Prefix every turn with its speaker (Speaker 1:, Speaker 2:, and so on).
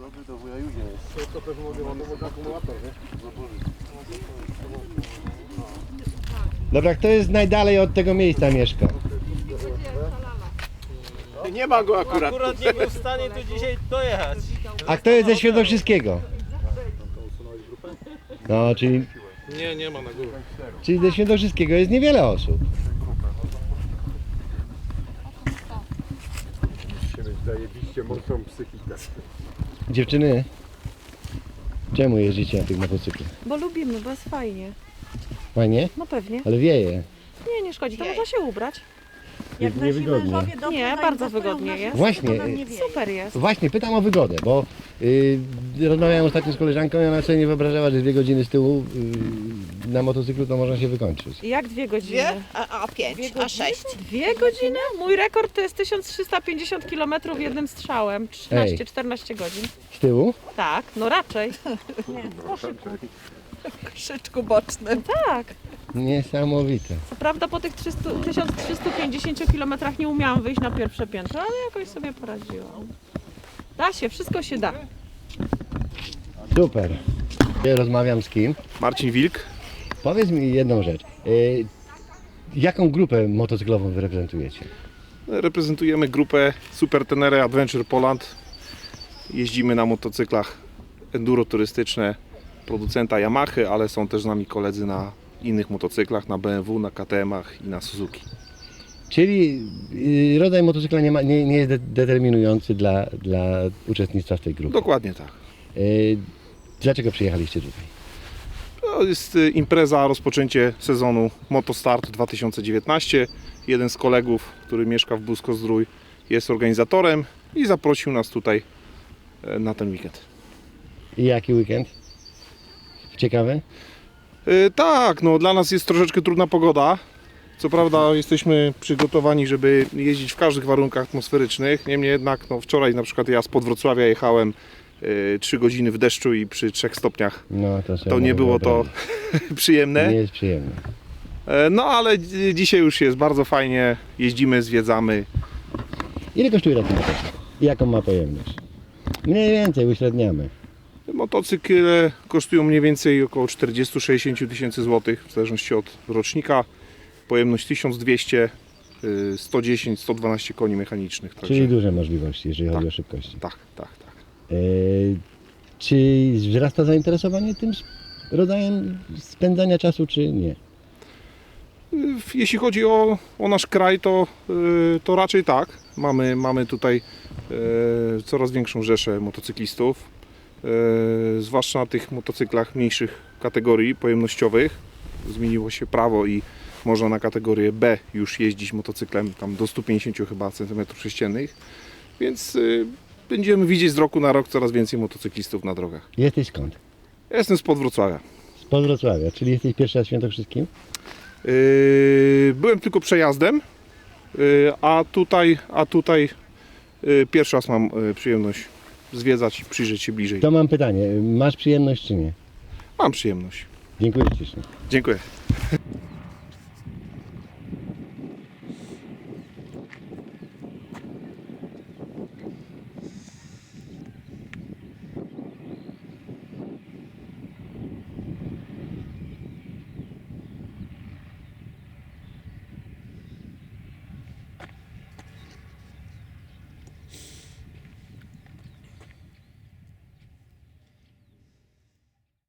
Speaker 1: Do wuja Judzie jest. To też mogę ładować akumulator, nie?
Speaker 2: Dobra, kto jest najdalej od tego miejsca mieszka?
Speaker 1: Nie ma go akurat.
Speaker 3: Akurat nie był w stanie tu dzisiaj dojechać.
Speaker 2: A kto jest ze Świętokrzyskiego? No, czyli
Speaker 1: Nie ma na górę.
Speaker 2: ze Świętokrzyskiego jest niewiele osób.
Speaker 4: Musicie mieć zajebiście mocną psychikę.
Speaker 2: Dziewczyny, czemu jeździcie na tych motocyklach?
Speaker 5: Bo lubimy, bo jest fajnie.
Speaker 2: Fajnie?
Speaker 5: No pewnie.
Speaker 2: Ale wieje.
Speaker 5: Nie, nie szkodzi, to można się ubrać.
Speaker 2: Niewygodnie.
Speaker 5: Nie, bardzo wygodnie jest.
Speaker 2: Właśnie,
Speaker 5: Super jest.
Speaker 2: właśnie, pytam o wygodę, bo rozmawiałem ostatnio z koleżanką i ona sobie nie wyobrażała, że 2 godziny z tyłu na motocyklu to można się wykończyć.
Speaker 5: Jak 2 godziny?
Speaker 6: Dwie? A 5, a 6.
Speaker 5: 2 godziny? Mój rekord to jest 1350 km jednym strzałem. 13-14 godzin.
Speaker 2: Z tyłu?
Speaker 5: Tak, no raczej.
Speaker 6: Krzyczku bocznym.
Speaker 5: Tak.
Speaker 2: Niesamowite.
Speaker 5: Co prawda po tych 1350 km nie umiałam wyjść na pierwsze piętro, ale jakoś sobie poradziłam. Da się, wszystko się da.
Speaker 2: Super. Ja rozmawiam z kim?
Speaker 1: Marcin Wilk.
Speaker 2: Powiedz mi jedną rzecz. Jaką grupę motocyklową wy reprezentujecie?
Speaker 1: Reprezentujemy grupę Super Tenere Adventure Poland. Jeździmy na motocyklach enduro turystyczne producenta Yamahy, ale są też z nami koledzy na innych motocyklach, na BMW, na KTM-ach i na Suzuki.
Speaker 2: Czyli rodzaj motocykla nie jest determinujący dla uczestnictwa w tej grupie.
Speaker 1: Dokładnie tak.
Speaker 2: Dlaczego przyjechaliście tutaj?
Speaker 1: To jest impreza, rozpoczęcie sezonu Motostart 2019. Jeden z kolegów, który mieszka w Busko-Zdrój, jest organizatorem i zaprosił nas tutaj na ten weekend.
Speaker 2: I jaki weekend? Ciekawy?
Speaker 1: Tak, no dla nas jest troszeczkę trudna pogoda. Co prawda jesteśmy przygotowani, żeby jeździć w każdych warunkach atmosferycznych. Niemniej jednak no, wczoraj na przykład ja spod Wrocławia jechałem 3 godziny w deszczu i przy 3 stopniach.
Speaker 2: No,
Speaker 1: To nie było to przyjemne.
Speaker 2: Nie jest przyjemne.
Speaker 1: No ale dzisiaj już jest bardzo fajnie. Jeździmy, zwiedzamy.
Speaker 2: Ile kosztuje taki motocykl? I jaką ma pojemność? Mniej więcej uśredniamy.
Speaker 1: Motocykle kosztują mniej więcej około 40-60 tysięcy złotych, w zależności od rocznika. Pojemność 1200, 110-112 koni mechanicznych. Także,
Speaker 2: Czyli duże możliwości, jeżeli chodzi
Speaker 1: Tak.
Speaker 2: o szybkości.
Speaker 1: tak.
Speaker 2: Czy wzrasta zainteresowanie tym rodzajem spędzania czasu, czy nie?
Speaker 1: Jeśli chodzi o nasz kraj, to raczej tak. Mamy tutaj coraz większą rzeszę motocyklistów, zwłaszcza na tych motocyklach mniejszych kategorii pojemnościowych. Zmieniło się prawo i można na kategorię B już jeździć motocyklem tam do 150 chyba cm3, więc będziemy widzieć z roku na rok coraz więcej motocyklistów na drogach.
Speaker 2: Jesteś skąd?
Speaker 1: Ja jestem spod Wrocławia.
Speaker 2: Spod Wrocławia, czyli jesteś pierwszy raz w Świętokrzyskim?
Speaker 1: Byłem tylko przejazdem, a tutaj pierwszy raz mam przyjemność zwiedzać i przyjrzeć się bliżej.
Speaker 2: To mam pytanie, masz przyjemność czy nie?
Speaker 1: Mam przyjemność.
Speaker 2: Dziękuję ślicznie.
Speaker 1: Dziękuję.